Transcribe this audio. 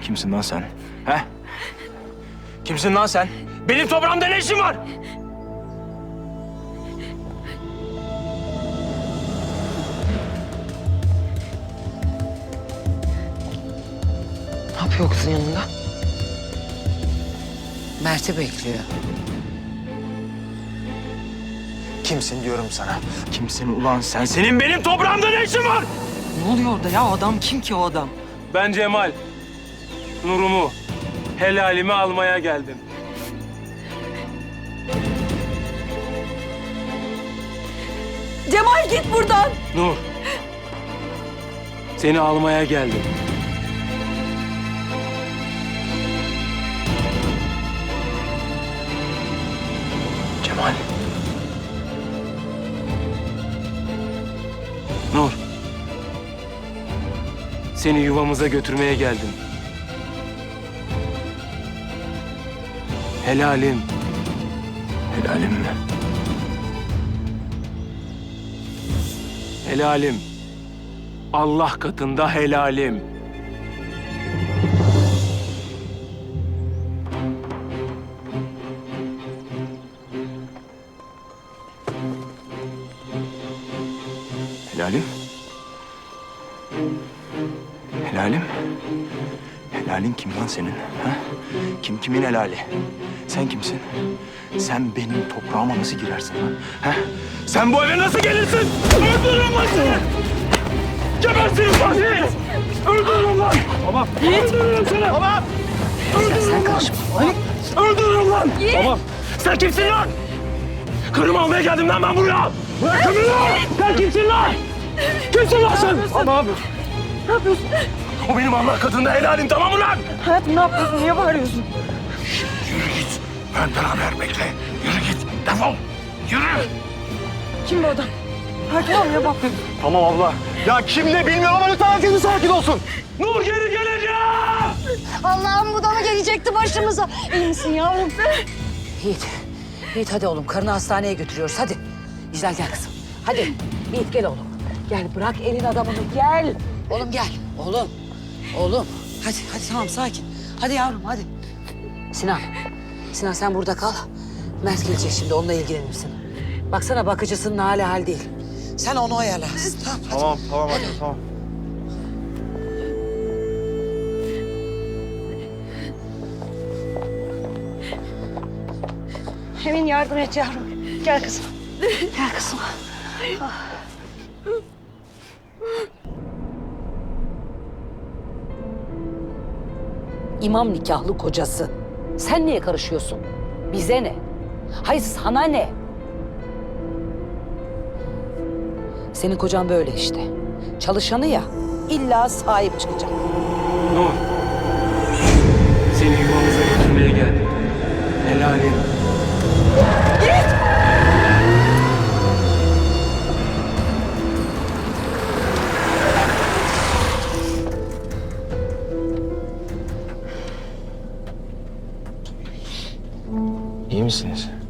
Kimsin lan sen? He? Kimsin lan sen? Benim toprağımda ne işin var? Ne yapıyor kızın yanında? Mert'i bekliyor. Kimsin diyorum sana. Kimsin ulan sen? Senin benim toprağımda ne işin var? Ne oluyor orada ya? O adam kim ki o adam? Ben Cemal. Nurumu, helalimi almaya geldim. Cemal git buradan. Nur. Seni almaya geldim. Cemal. Nur. Seni yuvamıza götürmeye geldim. Helalim. Helalim mi? Helalim. Allah katında helalim. Helalim? Helalim? Helalin kim lan senin? Ha? Kim kimin helali? Sen kimsin? Sen benim toprağıma nasıl girersin lan? Ha? Sen bu eve nasıl gelirsin? Öldürürüm lan seni! Gebertirim lan seni! Öldürürüm lan! Tamam. Öldürürüm seni! Tamam. Sen karışma. Öldürürüm lan! Tamam. Sen kimsin lan? Karımı almaya geldim lan ben buraya! Bırakın beni lan! Sen kimsin lan? Kimsin lan sen? Tamam. Ne yapıyorsun? O benim Allah katında helalim, tamam mı lan? Hayatım ne yapıyorsun? Niye bağırıyorsun? Yürü git. Benden haber bekle. Yürü git. Defol. Yürü. Kim bu adam? Sakin ol ya bak. Tamam abla. Ya kim ne bilmiyorum ama lütfen herkesin sakin olsun. Nur geri geleceğim. Allah'ım bu da mı gelecekti başımıza? İyi misin yavrum? Yiğit. Yiğit hadi oğlum. Karını hastaneye götürüyoruz. Hadi. İclal gel kızım. Hadi. Yiğit gel oğlum. Gel bırak elin adamını. Gel. Oğlum gel. Oğlum. Oğlum. Hadi tamam sakin. Hadi yavrum hadi. Sinan. Sinan sen burada kal. Mert gelecek şimdi. Onunla ilgilenirsin. Baksana bakıcısının hali hal değil. Sen onu ayarla. Tamam. Tamam anne tamam. Emin yardım et yavrum. Gel kızım. Gel kızım. İmam nikahlı kocası. Sen niye karışıyorsun? Bize ne? Hayır sana ne? Senin kocan böyle işte. Çalışanı ya, illa sahip çıkacak. Nur. Seni yuvamıza götürmeye geldim. Helalim. İyi misiniz?